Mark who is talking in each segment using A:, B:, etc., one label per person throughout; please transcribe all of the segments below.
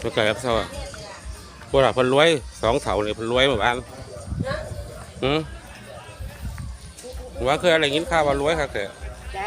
A: ไม่ไกลครับเท่าพวกเราเพิ่นรวย2เสาเนี่ยเพิ่นรวยเหมือนกันว่าเคยอะไรกินข้าวว่ารวยครับแต่
B: จ้า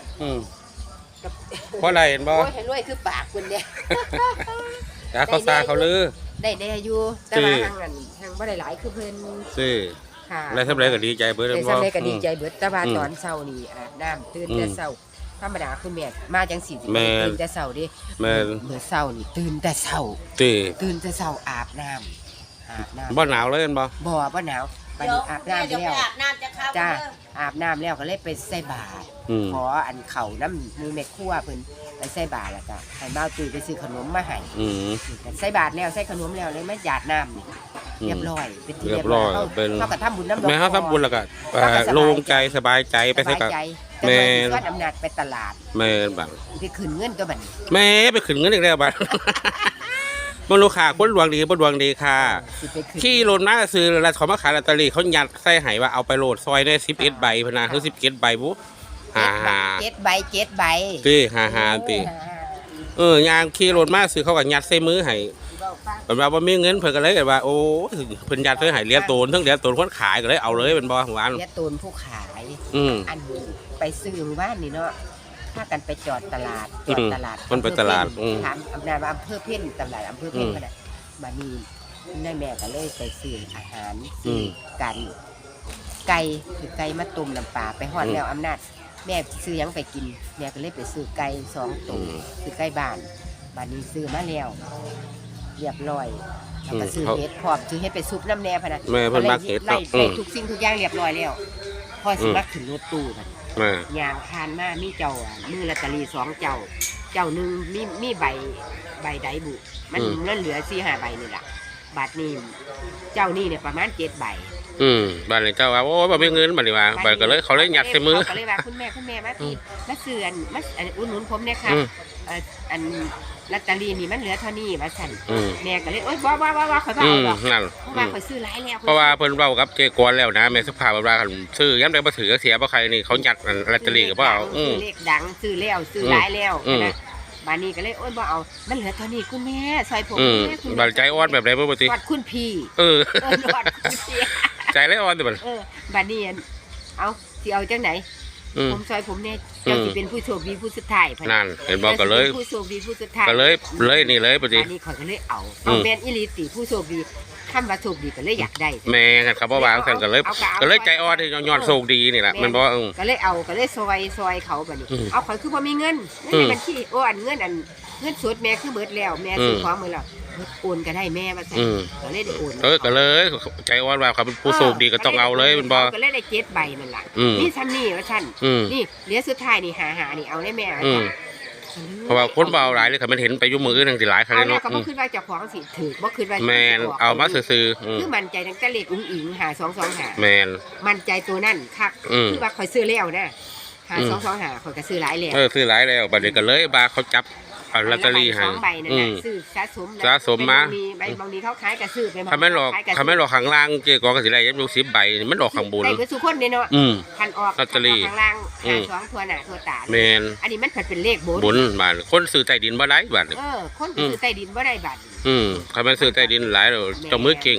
A: เพราะอะไรเห็นบ่
B: เห็นรวยคือปากคุณเนี่ย
A: เขาซาเขาลือ
B: ได้อยู่แต่ว่าทางบ่ได้หลายคือเพิ่น
A: สิค่ะแล้วทำไรก็ดีใจเบิด
B: แล้วทำไรก็ดีใจเบิดแต่ว่าตอนเช้านี่อาบน้ำตื่นแต่เช้าธรรมดาคุณแม่มาจังสิตื่นแต่เช้าดิเมื่อเช้านี่ตื่นแต่เช้าตื่นแต่เช้าอาบน้ำ
A: บ่หนาวเลยเห็นบ่
B: บ่หนาวบัดนี้อาบน้ำแล้วจ้าอาบน้ำแล้วก็เลยไปใส่บาตรขออันเข่าน้ำมือแม่ครัวเพิ่นไปใส่บาตรแล้วก็ให้บ่าวตุ้ยไปซื้อขนมมาให้ใส่บาตรแล้วใส่ขนมแล้วเลยมาหยาดน้ำนี่เรียบร้อยเป็นที่เรียบร้อยเขาก็ทำบุญน้ำดอก
A: แม่เขาทำบุญแล้วก็โล่งใจสบายใจไปใส่กับ
B: แม่ส่วนอำนาจไปตลาด
A: แม่บัง
B: ไปขึ้นเงินตัวบัด
A: แม่ไปขึ้นเงินอีกแล้วบัดมันลูกค้าคนดวงดีคนดวงดีค่ะขี้โหลดมาซื้อแล้วเขามาขายลอตเตอรี่เขายัดใส่ไหว่าเอาไปโหลดซอยได้11 ใบพนะคือ11 ใบบุ๊
B: 7 ใบ
A: ตี5ตียางขี้โหลดมาซื้อเขาก็ยัดใส่มือให้เป็นว่ามีเงินเพิ่นก็เลยว่าโอ้เพิ่นยัดใส่ให้เหรียญตูนทั้งเหรียญตูนคนขายก็เลยเอาเลยเป็นบ่หวาน
B: เหรียญตูนผู้ขายอันไปซื้อบ้านนี่เนาะถ้ากันไปจอดตลาด
A: คนไปตลาด
B: ถามอำนาจว่าอำเภอเพ่นตลาดอำเภอเพ่นก็ได้มานี่แม่ก็เลยไปซื้ออาหารซื้อกันไก่คือไก่มาตุ่มน้ำปลาไปฮอดแล้วอำนาจแม่ซื้อยังไปกินแม่ก็เลยไปซื้อไก่2 ตัวซื้อไก่บ้านบัดนี้ซื้อมาแล้วเรียบร้อยแล้วก็ซื้อเห็ดพร้อมซื้อเห็ดไปซุปน้ำแน่พะนะ
A: แม่เพิ่นมักเห็ด
B: ไล่ทุกสิ่งทุกอย่างเรียบร้อยแล้วพอสิมาขึ้นรถตู้กันอย่างคานมามีเจ้ามือลอตเตอรี่2 เจ้าหนึ่งมีใบใดบุมันเหลือ4-5 ใบนี่แหละบัตรนี้เจ้านี่เนี่ยประมาณ7 ใบ
A: บัตรนี้เจ้าว่าโอ้บ่มีเงินบัดนี้ว่าบัตรก็เลยเขาเลยยัดใส่มือ
B: ก็เลยว่าคุณแม่มาพี่มาเสื่อนมาอุดหนุนผมเนี่ยค่ะอันลอตเตอรี่นี่มันเหลือเท่านี้ว่าสั่นแม่ก็เลยโอ๊ยว่าข่อยบ่เอาหรอกเพราะว่าข่อยซื้อหลายแล้ว
A: เพราะว่าเพิ่นเว้ากับเจกวนแล้วนะแม่สุภาพว่าคันซื้อยามใดบ่ถือเสียบ่ใครนี่เขายัดลอตเตอรี่ก็บ่เอา
B: เลขดังซื้อแล้วซื้อหลายแล้วนะบานี้ก็เลยโอ๊ยบ่เอามันเหลือเท่านี้คุณแม่ซอยผม
A: แม่คุณบัดใจอ่อนแบบใดบ่บ่ติ
B: กอดคุณพี่กอดคุณพี่
A: ใจเลยอ่อนติบัด
B: บานี้เอาสิเอาจังไหนผมซอยผมเนี่ยเจ้าสิเป็นผู้โชคดีผู้สุดท้าย
A: นั่นเห็นบอกก็เลย
B: ผู้โชคดีผู้สุดท้าย
A: ก็เลยนี่เลยปะจี
B: นี่เขาก็เลยเอาแมนอิลิติผู้โชคดีคำว่าโชคดีก็เลยอยากได้
A: แม่กันครับว่าวางกันก็เลยใจอ่อนที่ย้อนโชคดีนี่แหละมันบอก
B: ก็เลยเอาก็เลยซอยเขาแบบนี้เอาเขาคือพอมีเงินในบัญชีโอ้อันเงินสดแม่คือเบิดแล้วแม่ซื้อของมือแล้วโอนก็ได้แม่มาใส่ก็เลยได้โอน
A: ก็เลยใจอ่อนว่าเขาเป็นผู้โชคดีก็ต้องเอาเลยมันบอก
B: ก็เลยได้7 ใบนั่นแหละนี่ซ้ำนี่ว่าฉันนี่เหลือสุดท้ายนี่หานี่เอาได้แม่
A: เพราะว่าคนเบาหลายเลยค่ะมันเห็นไปยุ่มือนั่งสิหลายครั้ง
B: เนาะก็บ่คิดว่าเจ้าของสิถือบ่คิดว่า
A: แมนเอามาซื้อ
B: คือมั่นใจตั้งแต่เลขอุ้งอิง5225
A: แมน
B: มั่นใจตัวนั่นคักคือว่าข่อยซื้อแล้วนะ5225ข่อยก็ซื้อหลายแล้ว
A: ซื้อหลายแล้วบัดนี้ก็เลยบาเขาจับลอตเตอรี่ให้
B: 2 ใบนั่นน่ะซื้อสะสม
A: มา
B: ใบบางทีเขาขายก็ซื้อไป
A: เขาไม่หลอกข้างล่างเจ๊กอก็สิได้ยับดู10 ใบมันออกข้างบน
B: ได้ก็ทุกคนเนาะคันออก
A: ลอตเตอรี่
B: ข้างล่าง2ทั่วหน้าทั่วตา
A: แม่น
B: อันนี้มันเป็นเลข
A: บนบาทคนซื้อใต้ดินบ่ได้บาท
B: คนซื้อใต้ดินบ่ได้บาท
A: เขาไม่ซื้อใต้ดินหลายแล้วเจ้ามือเก่ง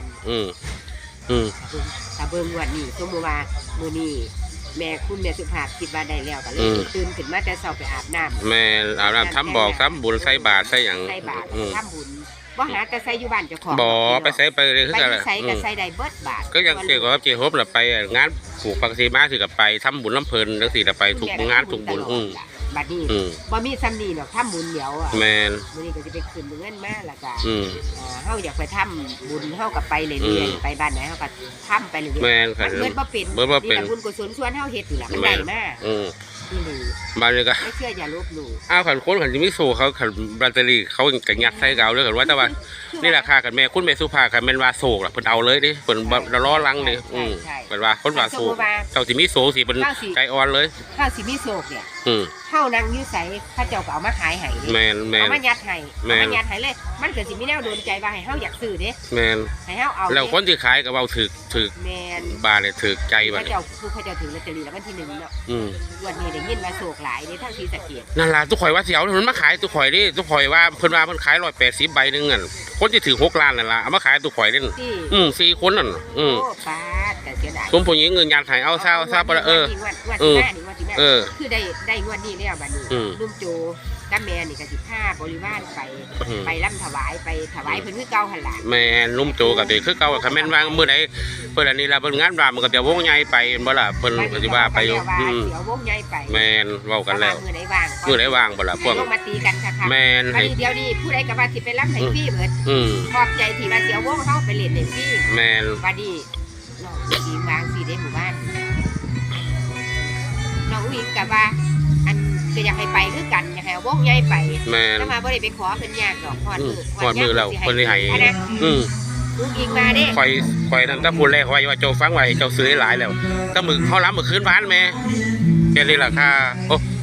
B: ถ้าเบิ่งวันนี้สมมุติว่ามื้อนี้แม่คุณแม่สุภาพคิดว่าได้แล้วก็เลยตื่นขึ้นมาแต่เช้าไปอาบน้ำ
A: แม่อาบน้ำทำบอกทำบุญใส่บาตรใส่อย่าง
B: ใส่บาตรทำบุญบ่หาแต่ใส่อยู่บ้านเจ้าของ
A: บ่ไปใส่ไปเลยคือ
B: กันใส่ก็ใส่ได้เบิดบาท
A: ก็ยังเกี่ยวกับเจฮบล่ะไปงานผูกปักสีมาสิกับไปทำบุญลำเพลินจังซี่ล่ะไปทุกงานทุกบุญ
B: บัดนี้บ่มีซ้ำนี่ดอกทำบุญเดี๋ยว
A: แม่น
B: มื้อนี้ก็สิไปขึ้นเงินมาแล้วก็เฮาอยากไปทำบุญเฮาก็ไปเรื่อยๆไปบ้านไหนเฮาก็ทำไปเรื่อยๆ
A: แม่นค่ะ
B: เบิดบ่เป็นบุญกุศลส่วนเฮาเฮ็ดอยู่ล่ะมันได้มา
A: บ้านนี้ก็
B: ไม่เชื่ออย่าลบหลู่
A: ขันคนขันจะไม่สู้เขาขันแบตเตอรี่เขากระยัดใส่เกาเลยขันว่าแต่ว่านี่ราคากันแม่คุณแม่สุภาขันแม่นว่าโศกล่ะเพิ่นเอาเลยดิเพิ่นล้อลังเลยเพิ่นว่าคนว่าโศกเจ้าสิมีโศกสิเป็นใจอ่อนเลย
B: ถ้าสิมีโศกเนี่ยถ้าเข้านั่งอยู่ใส่พระเจ้าก็เอามาขายให้
A: แมนแมน
B: เอามายัดให้
A: แม่น
B: เอามายัดให้เลย มันเกิดสิมีแนวโดนใจว่าให้เฮาอยากซื้อเด้
A: แมน
B: ให้เฮาเอา
A: แล้วคนที่ขายก็เว้าถึก
B: แม่น
A: บาทเลยถึกใจ
B: พ
A: บัด
B: ระ
A: นี้
B: เจ้าคือพระเจ้าถือลอตเตอรี่แล้ววันที่1เนาะ
A: อืม
B: วันนี้ได้ยินว่าโศกหลายเด้ทั้งศรีสะเกษ
A: นั่นล่ะทุกข่อยว่าสิเอามันมาขายทุกข่อยนี่ทุกข่อยว่าเพิ่นว่าเพิ่นขาย180ใบหนึงอ่ะคนที่ถือ6ล้านนั่นล่ะเอามาขายทุกข่อยนี่
B: ที่
A: 4คนนั่น
B: โอ้ปาดแต่เสียดาย
A: สมผู้หญิงเงินยัดให้เอาซาบ่ล่ะ
B: งวดที่หน้านี่งวดที่หน้า
A: เออ
B: คือได้งวดนี้แล้วบัดนี้
A: อืม
B: ลุงโจกับแม่นี่ก็สิพาบริวารไป
A: อืม
B: ไปร่ำถวายไปถวายเพิ่นคือเก่าหั่นล่ะ
A: แม่นนุ่มโจก็สิคือเก่าคันแม่นว่ามื้อใดเพิ่นอันนี้ล่ะเพิ่นงานว่ามันก็จะวงใหญ่ไปบ่ล่ะเพิ่นก็สิว่าไปอยู่
B: เดี๋ยววงใหญ่ไป
A: แม่นเว้ากันแล้ว
B: มื้อไหนว่าง
A: มื้อใดว่างบ่ล่ะพวก
B: ลงมาตีกันค่ะ
A: แม่น
B: บัด
A: ให้
B: นี้เดี๋ยวนี้ผู้ใดก็ว่าสิไปรับให้ฟรีเบิด
A: อืม
B: ขอบใจที่ว่าเสียวงเฮาไปเล่นให้ฟรี
A: แม่น
B: บัดนี้น้องอุ้งอิงวางสิได้หมู่บ้านน้องอุ้งอิงก็ว่าอันก็อยากให้ไปคือกันอยากให้เอาวงใหญ่ไป
A: แม่น
B: แล้วมาบ่ได้ไปขอเพิ่นยากดอกฮอด
A: อื
B: มื
A: ม
B: อ
A: ฮอดมื้อแล้วเพิ่นสิให้
B: อันนั้น
A: อืม
B: อุ้งอิงมาเด้
A: ข่อยนั่นถ้าพูดแรกว่าเจ้าฟังไว้เจ้าซื้อหลายแล้วถ้ามึกเฮาล้ำมื้อคืนบ้านแม่แค่นี้ล่ะค่ะโอ้